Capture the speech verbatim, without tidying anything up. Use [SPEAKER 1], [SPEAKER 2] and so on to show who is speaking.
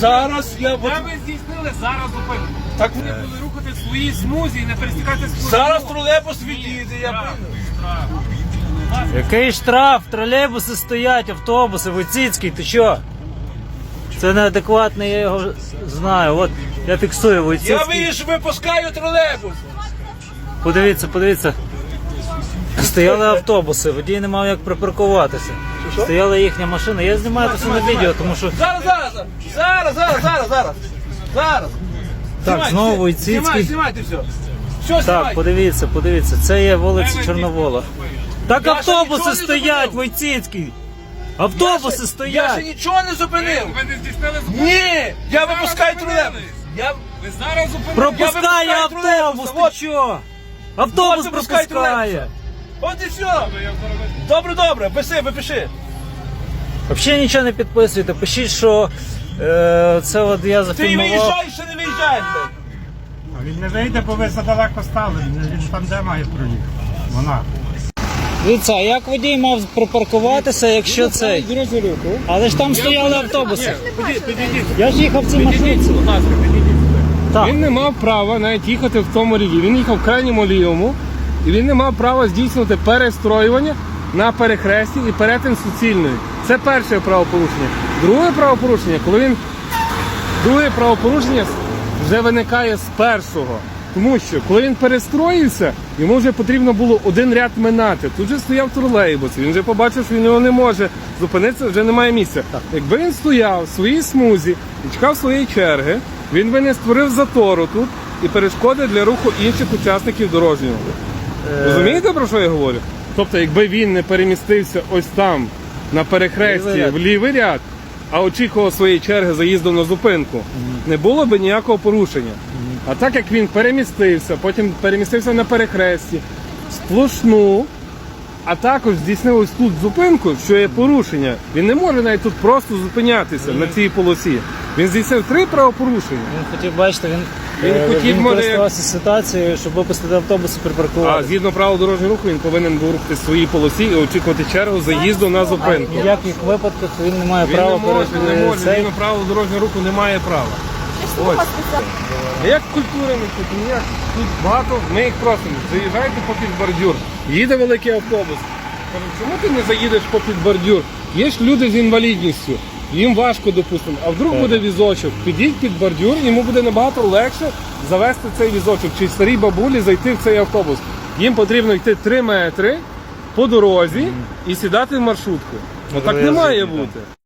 [SPEAKER 1] Зараз я...
[SPEAKER 2] Де ви здійснили зараз зупинку?
[SPEAKER 1] Так,
[SPEAKER 2] Ви були рухати в своїй смузі і не пересікати смузі.
[SPEAKER 1] зараз тролейбус відійде, я
[SPEAKER 2] Штраф,
[SPEAKER 1] прийду.
[SPEAKER 2] штраф.
[SPEAKER 3] Який штраф? Тролейбуси стоять, автобуси, Войціцький, ти що? Це неадекватний, я його знаю. От я фіксую
[SPEAKER 1] Я
[SPEAKER 3] Войціцький.
[SPEAKER 1] виїжджу, випускаю тролейбус.
[SPEAKER 3] Подивіться, подивіться. Стояли автобуси, водій не мав як припаркуватися.
[SPEAKER 1] Що?
[SPEAKER 3] Стояла їхня машина. Я знімаю це на відео, тому що...
[SPEAKER 1] Зараз, зараз, зараз, зараз, зараз, зараз. Зараз.
[SPEAKER 3] Так,
[SPEAKER 1] Знімайте,
[SPEAKER 3] знову
[SPEAKER 1] все.
[SPEAKER 3] Войціцький.
[SPEAKER 1] Знімайте, знімайте все. Все
[SPEAKER 3] Так,
[SPEAKER 1] знімайте.
[SPEAKER 3] подивіться, подивіться. Це є вулиця
[SPEAKER 2] Де ви
[SPEAKER 3] Чорновола.
[SPEAKER 2] здійснили
[SPEAKER 3] Так
[SPEAKER 1] Я ще
[SPEAKER 3] автобуси
[SPEAKER 1] нічого не
[SPEAKER 3] стоять,
[SPEAKER 1] зупинив.
[SPEAKER 3] Войціцький. Автобуси
[SPEAKER 1] Я ще
[SPEAKER 3] стоять.
[SPEAKER 1] нічого не зупинив.
[SPEAKER 2] Ви не здійснили зупинку?
[SPEAKER 1] Ні, я
[SPEAKER 2] Зараз
[SPEAKER 1] випускаю
[SPEAKER 2] зупинили.
[SPEAKER 1] тролейбус. Я...
[SPEAKER 2] Ви зараз зупинили.
[SPEAKER 3] Пропускає
[SPEAKER 1] Я випускаю
[SPEAKER 3] автобус,
[SPEAKER 1] тролейбуса,
[SPEAKER 3] ти що? Автобус
[SPEAKER 1] От випускаю
[SPEAKER 3] пропускає.
[SPEAKER 1] От і все. Добре, добре, пиши, випиши.
[SPEAKER 3] Взагалі нічого не підписуйте. Пишіть, що е, це от я
[SPEAKER 1] Ти
[SPEAKER 3] зафільмував.
[SPEAKER 1] виїжджаєш чи не виїжджаєш, блядь?
[SPEAKER 4] А він не вийде, бо ви задалеко стали. Він там де має проїхати. Вона.
[SPEAKER 3] Дивіться, а як водій мав припаркуватися, якщо цей? Але ж там стояли автобуси. Я ж їхав в цій маршрутці.
[SPEAKER 2] Будь ласка, підійдіть сюди.
[SPEAKER 3] Так.
[SPEAKER 2] Він не мав права навіть їхати в тому рівні. Він їхав в крайньому лівому, і він не мав права здійснювати перестроювання на перехресті і перетин суцільної. Це перше правопорушення. Друге правопорушення, коли він друге правопорушення вже виникає з першого. Тому що, коли він перестроївся, йому вже потрібно було один ряд минати. Тут же стояв тролейбус, він вже побачив, що він його не може зупинитися, вже немає місця. Якби він стояв в своїй смузі і чекав своєї черги, він би не створив затору тут і перешкоди для руху інших учасників дорожнього. Розумієте, про що я говорю? Тобто, якби він не перемістився ось там, на перехресті,
[SPEAKER 3] Лівий ряд.
[SPEAKER 2] в лівий ряд, а очікував своєї черги заїзду на зупинку, не було б ніякого порушення. А так як він перемістився, потім перемістився на перехресті, сплошну, а також здійснив ось тут зупинку, що є порушення, він не може навіть тут просто зупинятися на цій полосі. Він здійснив три правопорушення.
[SPEAKER 3] Він хотів, бачите, він,
[SPEAKER 2] Він
[SPEAKER 3] е,
[SPEAKER 2] хотів,
[SPEAKER 3] він
[SPEAKER 2] може,
[SPEAKER 3] користувався ситуацією, щоб випустити автобус і
[SPEAKER 2] А
[SPEAKER 3] припаркувати.
[SPEAKER 2] згідно правил дорожнього руху він повинен був рухати в своїй полосі і очікувати чергу заїзду на зупинку.
[SPEAKER 3] В ніяких випадках він не має
[SPEAKER 2] Він
[SPEAKER 3] права
[SPEAKER 2] не може,
[SPEAKER 3] перед-
[SPEAKER 2] не може,
[SPEAKER 3] цей-
[SPEAKER 2] згідно правил дорожнього руху немає права. Ось. Як культури ми тут, ніяк тут багато, ми їх просимо, заїжджайте попід бордюр. Їде великий автобус. Кажуть, чому ти не заїдеш попід бордюр? Є ж люди з інвалідністю, їм важко, допустимо, а вдруг буде візочок, підіть під бордюр, йому буде набагато легше завести цей візочок, чи старій бабулі зайти в цей автобус. Їм потрібно йти три метри по дорозі і сідати в маршрутку. Отак не має бути.